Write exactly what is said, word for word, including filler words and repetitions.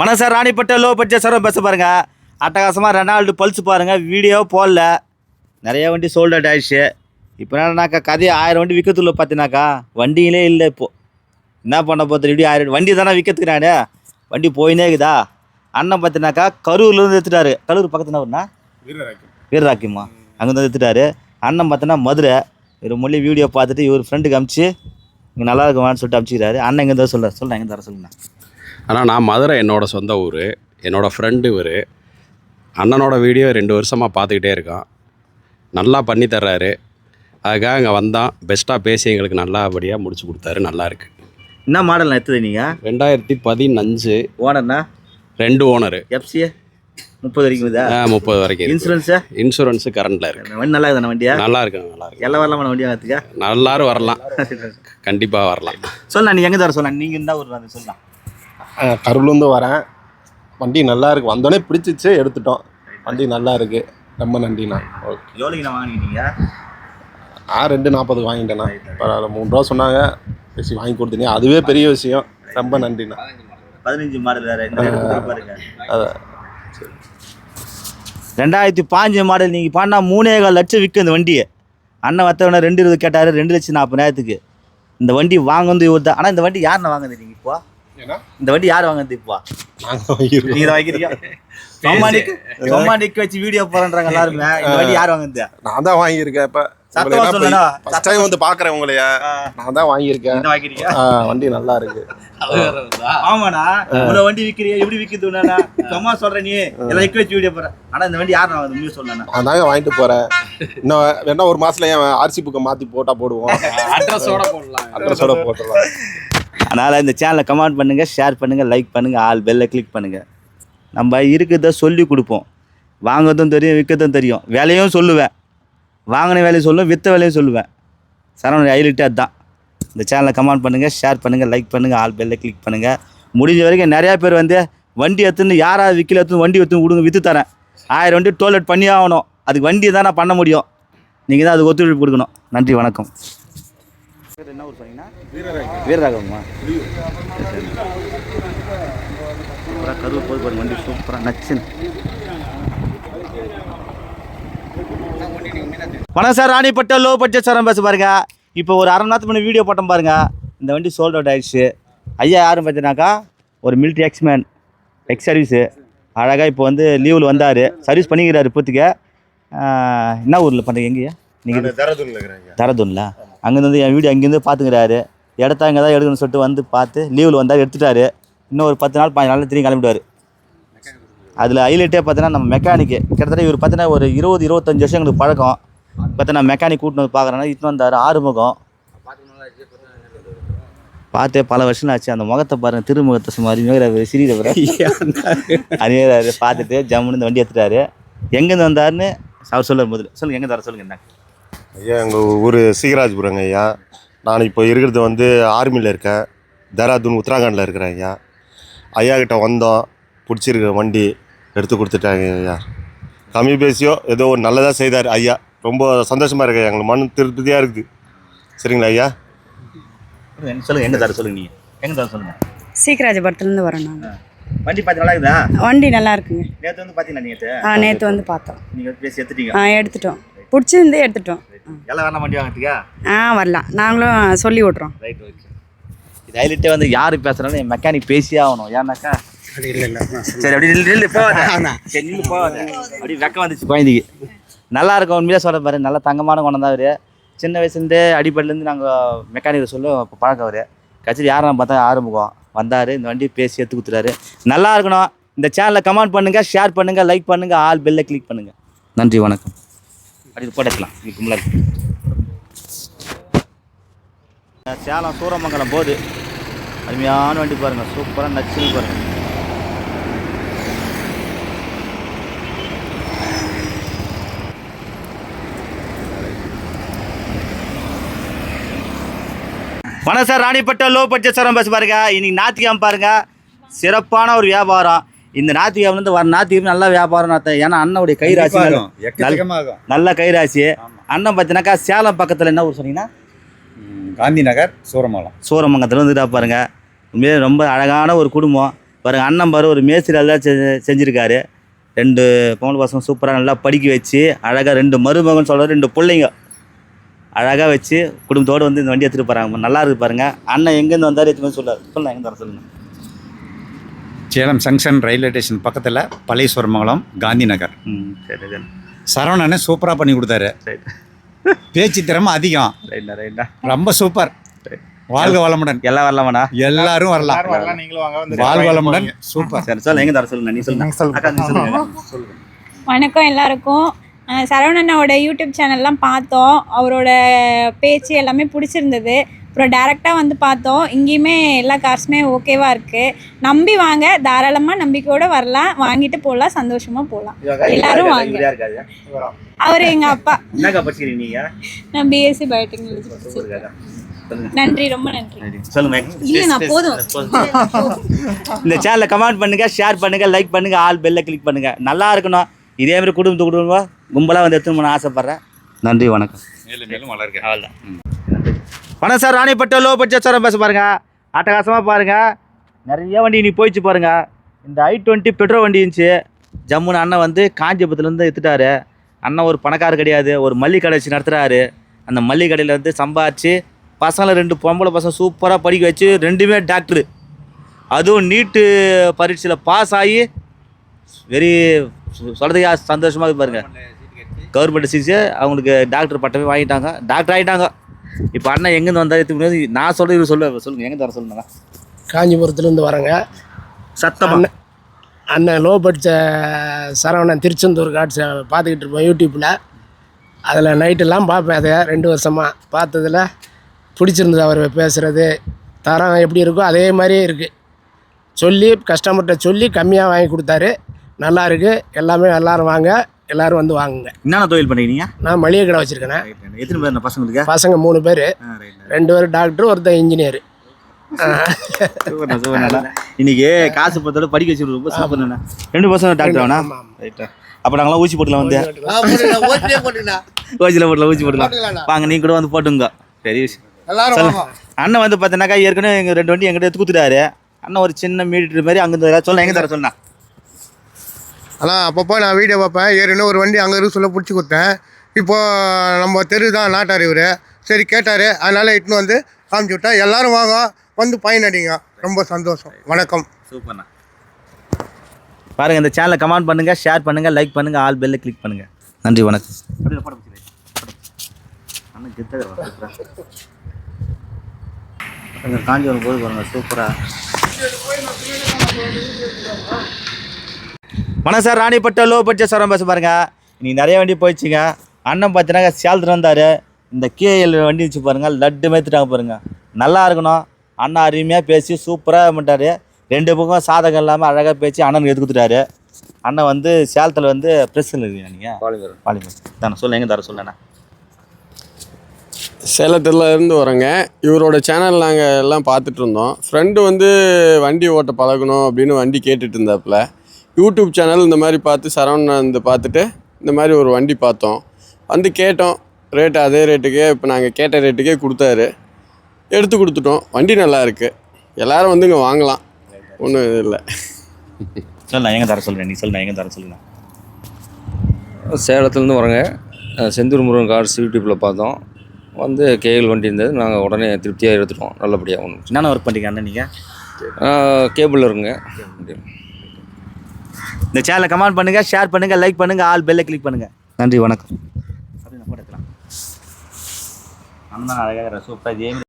வணக்கம் sir, Ranipet low budget sir பேச பாருங்க. அட்டகாசமாக ரெனால்டு பல்ஸ் பாருங்கள், வீடியோ போடல, நிறைய வண்டி சோல்ட் அவுட் ஆயிடுச்சு. இப்போ என்னன்னாக்கா கதையை ஆயிரம் வண்டி விற்கத்துள்ள பார்த்தினாக்கா வண்டியிலே இல்லை. இப்போது என்ன பண்ண போகிறது, இப்படி ஆயிரம் வண்டி தானே விற்கிறதுக்கு நானே வண்டி போயினே இருக்குதா. அண்ணன் பார்த்தினாக்கா கரூர்லேருந்து எடுத்துட்டாரு. கரூர் பக்கத்துல ஒன்றா வீரராக்கியம்மா அங்கேருந்து எடுத்துட்டாரு. அண்ணன் பார்த்தோன்னா மதுரை. ஒரு மொழி வீடியோ பார்த்துட்டு இவர் ஃப்ரெண்டுக்கு அமுச்சு இங்கே நல்லா இருக்குமான்னு சொல்லிட்டு அமுச்சிக்கிறாரு. அண்ணன் எங்கே தான் சொல்கிறார், சொல்கிறேன் எங்கே தர சொல்லுங்கண்ணா. ஆனால் நான் மதுரை என்னோடய சொந்த ஊர், என்னோடய ஃப்ரெண்டு இவர். அண்ணனோட வீடியோ ரெண்டு வருஷமாக பார்த்துக்கிட்டே இருக்கான், நல்லா பண்ணி தர்றாரு. அதுக்காக இங்கே வந்தான், பெஸ்ட்டாக பேசி எங்களுக்கு நல்லபடியாக முடிச்சு கொடுத்தாரு. நல்லா இருக்கு. என்ன மாடல் எடுத்தது நீங்கள்? ரெண்டாயிரத்தி பதினஞ்சு. ஓனர்ண்ணா? ரெண்டு ஓனரு. எஃப்சிஏ முப்பது வரைக்கும் இதா? முப்பது வரைக்கும். இன்சூரன்ஸு? இன்சூரன்ஸு கரண்டில் இருக்குது. வண்டி நல்லா இருக்குதாண்ணா? வண்டியா நல்லா இருக்குங்க, நல்லா இருக்கு. எல்லாம் வரலாமா வண்டியா வரத்துக்கா? நல்லாரும் வரலாம், கண்டிப்பாக வரலாம். சொல்லலாம், நீ எங்கே தர சொல்லலாம், நீங்கள் இருந்தால் ஒரு வந்து சொல்லலாம். கரூர்லேருந்து வரேன். வண்டி நல்லா இருக்குது, வந்தோடனே பிடிச்சிச்சு, எடுத்துட்டோம். வண்டி நல்லா இருக்குது, ரொம்ப நன்றிண்ணா. ஓகே. எவ்வளோங்கண்ணா வாங்கினீங்க? ஆ ரெண்டு நாற்பதுக்கு வாங்கிட்டேண்ணா. பரவாயில்ல, மூணு ரூபா சொன்னாங்க, பேசி வாங்கி கொடுத்தீங்க, அதுவே பெரிய விஷயம். ரொம்ப நன்றிண்ணா. பதினஞ்சு மாடல் வேறு பாருங்க. அதான் ரெண்டாயிரத்தி பாஞ்சு மாடல். நீங்கள் பாண்டா மூணே கால் லட்சம் விற்கும் இந்த வண்டியை. அண்ணன் வத்தவன ரெண்டு இருபது கேட்டார், ரெண்டு லட்சம் நாற்பதாயிரத்துக்கு இந்த வண்டி வாங்குறது இவர் தான். ஆனால் இந்த வண்டி யாருண்ணா வாங்குது நீங்கள் இப்போ? இந்த வண்டி யார் வாங்குறது இப்போ? நீங்க தான் வாங்கிறீங்க. சொம்மாண்டிக்கு வச்சு வீடியோ போறன்றாங்க எல்லாருமே. இந்த வண்டி யார் வாங்குது? நான் தான் வாங்கியிருக்கேன். இப்போ ஃபர்ஸ்ட் டைம் வந்து பார்க்குறேன் உங்களைய. நான் தான் வாங்கியிருக்கேன். வண்டி நல்லா இருக்கு. ஆமாண்ணா, இவ்வளோ வண்டி விற்கிறீங்க, எப்படி விற்கிதுண்ணா? சும்மா சொல்கிறேன், நீ எல்லாம் விற்க வச்சு வீடியோ போகிறேன். ஆனால் இந்த வண்டி யார் வாங்குது நீ சொல்லண்ணா? நான் தாங்க வாங்கிட்டு போகிறேன். இன்னும் வேணா ஒரு மாதத்துல என் ஆர்சி புக்கை மாற்றி போட்டால் போடுவோம். அட்ரஸோட போடலாம், அட்ரஸோட போட்டுடலாம். அதனால் இந்த சேனலை கமெண்ட் பண்ணுங்கள், ஷேர் பண்ணுங்கள், லைக் பண்ணுங்கள், ஆல் பெல்லை கிளிக் பண்ணுங்கள். நம்ம இருக்கிறத சொல்லி கொடுப்போம். வாங்கிறதும் தெரியும், விற்கிறதும் தெரியும். வேலையும் சொல்லுவேன், வாங்கின வேலையும் சொல்லுவேன், விற்ற வேலையும் சொல்லுவேன். சரவண ஹைலைட்டு அதுதான். இந்த சேனலை கமெண்ட் பண்ணுங்கள், ஷேர் பண்ணுங்கள், லைக் பண்ணுங்கள், ஆல் பெல்லை கிளிக் பண்ணுங்கள். முடிஞ்ச வரைக்கும் நிறையா பேர் வந்து வண்டி எடுத்துன்னு யாராவது விற்கல எடுத்துன்னு வண்டி எடுத்துன்னு விடுங்க, விற்று தரேன். ஆயிரம் வண்டி டோல்கேட் பண்ணி ஆகணும். அதுக்கு வண்டி தான் நான் பண்ண முடியும். நீங்கள் தான் அதுக்கு ஒத்துழைப்பு கொடுக்கணும். நன்றி, வணக்கம். என்ன ஊர் சொன்னீங்கன்னா? வீரராகவமா? சூப்பராக கரூர் போய் பாருங்க, வண்டி சூப்பராக நச்சுன்னு. வணக்கம் sir, Ranipet low budget sir பேச பாருங்க. இப்போ ஒரு அரை மணி நேரத்துக்கு முன்னாடி வீடியோ போட்டோம் பாருங்க. இந்த வண்டி சோல்ட் அவுட் ஆயிடுச்சு. ஐயா யாரும் பார்த்தீங்கன்னாக்கா ஒரு மிலிட்ரி எக்ஸ்மேன், எக்ஸ் சர்வீஸு. அழகாக இப்போ வந்து லீவில் வந்தார், சர்வீஸ் பண்ணிக்கிறாரு இப்போத்துக்கு. என்ன ஊரில் பண்ணுறீங்க? எங்கேயா நீங்கள்? தரதுன்ல இருக்கிறேன். தரதுன்ல அங்கேருந்து வந்து என் வீடியோ அங்கேருந்து பார்த்துக்கிறாரு. இடத்த அங்கே தான் எடுக்கணும்னு சொல்லிட்டு வந்து பார்த்து லீவில் வந்தார், எடுத்துட்டாரு. இன்னும் ஒரு பத்து நாள் பதினஞ்சு நாள் திரும்பி கிளம்பிடுவார். அதில் ஹைலைட்டே பார்த்தீங்கன்னா நம்ம மெக்கானிக்கு கிட்டத்தட்ட இவர் பார்த்தீங்கன்னா ஒரு இருபது இருபத்தஞ்சி வருஷம் எங்களுக்கு பழக்கம். பார்த்தா மெக்கானிக் கூட்டின்னு வந்து பார்க்குறேன்னா இட்டு வந்தார். ஆறுமுகம் பார்த்தே பல வருஷம் ஆச்சு. அந்த முகத்தை பாருங்கள், திருமுகத்தை சும்மா அருமையாக சிறியவர் அருமையாக பார்த்துட்டு ஜம்முன்னு இந்த வண்டி எடுத்துட்டாரு. எங்கேருந்து வந்தாருன்னு அவர் சொல்ல முதல்ல சொல்லுங்கள். எங்கே தர சொல்லுங்கள். என்ன ஐயா, எங்கள் ஊர் சீகராஜ்புரங்க ஐயா. நான் இப்போ இருக்கிறது வந்து ஆர்மியில் இருக்கேன், தேராதூன் உத்தராகண்டில் இருக்கிறேன் ஐயா. ஐயா கிட்ட வந்தோம், பிடிச்சிருக்க வண்டி எடுத்து கொடுத்துட்டாங்க ஐயா. கம்மி பேசியோ ஏதோ ஒரு நல்லதாக செய்தார் ஐயா. ரொம்ப சந்தோஷமாக இருக்கு, எங்களுக்கு மன திருப்தியாக இருக்குது. சரிங்களா ஐயா? சொல்லுங்கள், எங்கே தர சொல்லுங்கள். நீங்கள் எங்கே தர சொல்லுங்கள். சீக்கிராஜபுரத்துலேருந்து வரோம் நாங்கள். வண்டி பார்த்து நல்லா இருக்குதா? வண்டி நல்லா இருக்குங்க. நேற்று வந்து பார்த்தீங்கன்னா நேற்று ஆ நேற்று வந்து பார்த்தோம். நீங்கள் பேசி எடுத்துட்டீங்க? ஆ எடுத்துட்டோம், பிடிச்சிருந்து எடுத்துட்டோம். எல்லாம் வேணாம் வண்டி வாங்கிறதுக்கா? ஆ வரலாம், நாங்களும் சொல்லி விட்றோம். Right, okay. இது ஹைலைட்டே வந்து யார் பேசுகிறாலும் என் மெக்கானிக் பேசியே ஆகணும். ஏன்னாக்கா இல்லை இல்லை சரி அப்படி நில்லு நில்லு போவாத, சரி நில்லு போவாத. அப்படி வெக்கம் வந்துச்சு குழந்தைக்கு. நல்லா இருக்கும், உண்மையாக சொல்கிற பாரு. நல்லா தங்கமான குணம் தான் அவர். சின்ன வயசுலேருந்தே அடிப்படையிலேருந்து நாங்கள் மெக்கானிக்கை சொல்ல இப்போ பழக்கம் அவர். கட்சியில் யாரும் பார்த்தா ஆரம்பிக்கும் வந்தார், இந்த வண்டி பேசி எடுத்து கொடுத்துறாரு. நல்லா இருக்கணும். இந்த சேனலை கமெண்ட் பண்ணுங்கள், ஷேர் பண்ணுங்கள், லைக் பண்ணுங்கள், ஆல் பெல்லை கிளிக் பண்ணுங்கள். நன்றி, வணக்கம். அப்படி போட்டுக்கலாம். இதுக்கு முன்னாடி சேலம் சூரமங்கலம் போகுது. அருமையான வண்டி பாருங்கள், சூப்பராக நச்சுன்னு பாருங்கள். வணக்கம் sir, Ranipet low budget sir பேச பாருங்க. இன்னைக்கு ஞாயிற்றுக்கிழமை பாருங்க, சிறப்பான ஒரு வியாபாரம். இந்த ஞாயிற்றுக்கிழமை வர ஞாயிற்றுக்கிழமை நல்லா வியாபாரம். ஏன்னா அண்ணனுடைய கைராசி நல்ல கைராசி. அண்ணன் பார்த்தீங்கன்னாக்கா சேலம் பக்கத்தில் என்ன ஊர் சொன்னீங்கன்னா? காந்தி நகர், சூரமங்கலம். சூரமங்கலத்தில் வந்துட்டா பாருங்க. உண்மையிலே ரொம்ப அழகான ஒரு குடும்பம். பாருங்க அண்ணன் பாரு ஒரு மேஸ்திரி எல்லாம் செ செஞ்சுருக்காரு. ரெண்டு பொம்பளை பசங்க சூப்பராக நல்லா படிக்க வச்சு அழகாக ரெண்டு மருமகன் சொல்கிற ரெண்டு பிள்ளைங்க அழகாக வச்சு குடும்பத்தோடு வந்து இந்த வண்டி எடுத்துகிட்டு போகிறாங்க. நல்லா இருக்குது பாருங்கள். அண்ணன் எங்கேருந்து வந்தார் எடுத்துன்னு சொல்லார். சொல்லலாம் எங்கே தர சொல்லுங்கள். சேலம் ஜங்ஷன் ரயில்வே ஸ்டேஷன் பக்கத்தில் பழையஸ்வரமங்கலம் காந்தி நகர். ம் சரி சரி சரவணனே சூப்பராக பண்ணி கொடுத்தாரு. ரைட் பேச்சு திறமை அதிகம். ரைட்டா ரைட்டா ரொம்ப சூப்பர். வாழ்க வளமுடன். எல்லாம் வரலாமாண்ணா? எல்லாரும் வரலாம். வாழ்க வளமுடன். சூப்பர். சரி சொல்ல எங்கே தர சொல்லுங்க. நீ சொல்லுங்க. அக்கா நீ சொல்லுங்க. சொல்லுங்க. வணக்கம் எல்லாருக்கும். அஹ் சரவணனோட யூடியூப் சேனல்லாம் பார்த்தோம். அவரோட பேச்சு எல்லாமே பிடிச்சிருந்தது. அப்புறம் டேரெக்டாக வந்து பார்த்தோம். இங்கேயுமே எல்லா கார்ஸுமே ஓகேவாக இருக்குது. நம்பி வாங்க, தாராளமாக நம்பிக்கையோடு வரலாம், வாங்கிட்டு போகலாம், சந்தோஷமாக போகலாம். எல்லாரும் வாங்க. அவர் எங்கள் அப்பா. என்னக்கா படிக்கிறீங்க நீங்கள்? நான் பிஎஸ்சி பயோடெக்னாலஜி படிச்சிருக்கேன். நன்றி, ரொம்ப நன்றி. சொல்லுங்க. இல்லை நான் போதும். இந்த சேனலை கமெண்ட் பண்ணுங்க, ஷேர் பண்ணுங்க, லைக் பண்ணுங்க, ஆல் பெல்ல கிளிக் பண்ணுங்க. நல்லா இருக்கணும். இதே மாதிரி குடும்பத்து குடும்பம் கும்பலாக வந்து எடுத்துன்னு நான் ஆசைப்பட்றேன். நன்றி, வணக்கம். மேலும் மேலும் வளர்க. அவ்வளோதான். வணக்கம் sir. Ranipet low budget sir பேச பாருங்க. அட்டகாசமாக பாருங்க. நிறைய வண்டி நீ போயிடுச்சு பாருங்க. இந்த ஐ டுவெண்ட்டி பெட்ரோல் வண்டி இருந்துச்சு. ஜம்முன்னு அண்ணன் வந்து காஞ்சிபுரத்துலேருந்து எடுத்துட்டாரு. அண்ணன் ஒரு பணக்காரர் கிடையாது, ஒரு மல்லிகை கடை வச்சு நடத்துகிறாரு. அந்த மல்லிகை கடையில் வந்து சம்பாதிச்சு பசங்களை ரெண்டு பொம்பளை பசங்க சூப்பராக படிக்க வச்சு ரெண்டுமே டாக்டரு, அதுவும் நீட்டு பரீட்சையில் பாஸ் ஆகி வெரி சொல்கிறதுக்கே சந்தோஷமாக பாருங்கள். கவர்மெண்ட் சீட்ஸு அவங்களுக்கு டாக்டர் பட்டமே வாங்கிட்டாங்க, டாக்டர் ஆகிட்டாங்க. இப்போ அண்ணன் எங்கேருந்து வந்தால் எடுத்து நான் சொல்கிறது இவர் சொல்ல சொல்லுங்கள். எங்கே தர சொல்லுங்க. காஞ்சிபுரத்துலேருந்து வரேங்க. சத்தம் அண்ணன் அண்ணன் லோ படித்த சரவணன் திருச்செந்தூர் காட்சி பார்த்துக்கிட்டு இருப்போம் யூடியூப்பில். அதில் நைட்டெல்லாம் பார்ப்பேன். அதை ரெண்டு வருஷமாக பார்த்ததில் பிடிச்சிருந்தது. அவர் பேசுகிறது தரம் எப்படி இருக்கோ அதே மாதிரியே இருக்குது. சொல்லி கஸ்டமர்கிட்ட சொல்லி கம்மியாக வாங்கி கொடுத்தாரு. நல்லா இருக்குது. எல்லாமே எல்லோரும் வாங்க, எல்லோரும் வந்து வாங்குங்க. என்னென்ன தொழில் பண்ணிக்கிறீங்க? நான் மளிகை கடை வச்சுருக்கேன். எத்தனை பேர் பசங்களுக்கு? பசங்க மூணு பேர், ரெண்டு பேர் டாக்டர், ஒருத்தர் இன்ஜினியர். இன்னைக்கு காசு பத்தோட படிக்க வச்சு ரொம்ப சூப்பர். ரெண்டு பசங்க டாக்டர் வேணா? ரைட்டா. அப்போ நாங்களாம் ஊசி போட்டுலாம் வந்து ஓசியில் போட்டலாம், ஊசி போட்டுலாம் வாங்க. நீ கூட வந்து போட்டுங்க. பெரிய விஷயம். அண்ணன் வந்து பார்த்தீங்கன்னாக்கா ஏற்கனவே எங்கள் ரெண்டு வண்டி எங்கிட்ட எடுத்து கொடுத்துட்டாரு. அண்ணன் ஒரு சின்ன மீட்டர் மாதிரி அங்கே சொல்ல எங்கே தர சொன்னா. ஆனால் அப்பப்போ நான் வீடியோ பார்ப்பேன். ஏற்கனவே ஒரு வண்டி அங்கே இருக்கு சொல்ல பிடிச்சி கொடுத்தேன். இப்போது நம்ம தெரு தான் நாட்டார் இவர். சரி கேட்டார், அதனால் இட்டுன்னு வந்து காமிச்சு விட்டேன். எல்லோரும் வாங்க, வந்து பயனடிங்க. ரொம்ப சந்தோஷம். வணக்கம். சூப்பர்ண்ணா. பாருங்கள், இந்த சேனலை கமெண்ட் பண்ணுங்கள், ஷேர் பண்ணுங்கள், லைக் பண்ணுங்கள், ஆல் பெல்லை கிளிக் பண்ணுங்கள். நன்றி, வணக்கம். அண்ணன் காஞ்சிபுரம் போது பாருங்கள் சூப்பராக. வணக்கம் sir. Ranipet low budget sir பேச பாருங்க. இன்னைக்கு நிறைய வண்டி போயிடுச்சுங்க. அண்ணன் பார்த்தீங்கன்னா சேலத்தில் வந்தார். இந்த கேஎல் வண்டி வச்சு பாருங்கள், லட்டு மேத்துட்டாங்க பாருங்கள். நல்லா இருக்கணும். அண்ணன் அருமையாக பேசி சூப்பராக பண்ணிட்டாரு. ரெண்டு பக்கம் சாதகம் இல்லாமல் அழகாக பேசி அண்ணனுக்கு எடுத்து கொடுத்துட்டாரு. அண்ணன் வந்து சேலத்தில் வந்து ப்ரெஸ்ஸில் இருக்கீங்க நீங்கள்? பாலிமர். பாலிமர் தானே. சொல்ல எங்கே தர சொல்லண்ணா. சேலத்தில் இருந்து வரேங்க. இவரோட சேனல் நாங்கள் எல்லாம் பார்த்துட்டு இருந்தோம். ஃப்ரெண்டு வந்து வண்டி ஓட்ட பழகணும் அப்படின்னு வண்டி கேட்டுட்டு இருந்தாப்புல. யூடியூப் சேனல் இந்த மாதிரி பார்த்து சரவணன் வந்து பார்த்துட்டு இந்த மாதிரி ஒரு வண்டி பார்த்தோம். வந்து கேட்டோம். ரேட்டு அதே ரேட்டுக்கே இப்போ நாங்கள் கேட்ட ரேட்டுக்கே கொடுத்தாரு. எடுத்து கொடுத்துட்டோம். வண்டி நல்லா இருக்குது. எல்லோரும் வந்து இங்கே வாங்கலாம். ஒன்றும் இது இல்லை. சொல்ல எங்கே தர சொல்கிறேன். நீ சொல்ல எங்கே தர சொல்லுங்க. சேலத்துலேருந்து வரேங்க. செந்தூர் முருகன் கார்ஸ் யூடியூப்பில் பார்த்தோம். வந்து கேஎல் வண்டி இருந்தது. நாங்கள் உடனே திருப்தியாக எடுத்துட்டோம். நல்லபடியாக ஒன்று. என்னென்ன ஒர்க் பண்ணிங்க அண்ணன் நீங்கள்? கேபிள் இருக்குங்க. இந்த சேனலை கமெண்ட் பண்ணுங்கள், ஷேர் பண்ணுங்கள், லைக் பண்ணுங்கள், ஆல் பெல்லை கிளிக் பண்ணுங்கள். நன்றி, வணக்கம். அப்படின்னு போட்டுக்கலாம். அண்ணன் அழகாக சூப்பராக ஜெயம்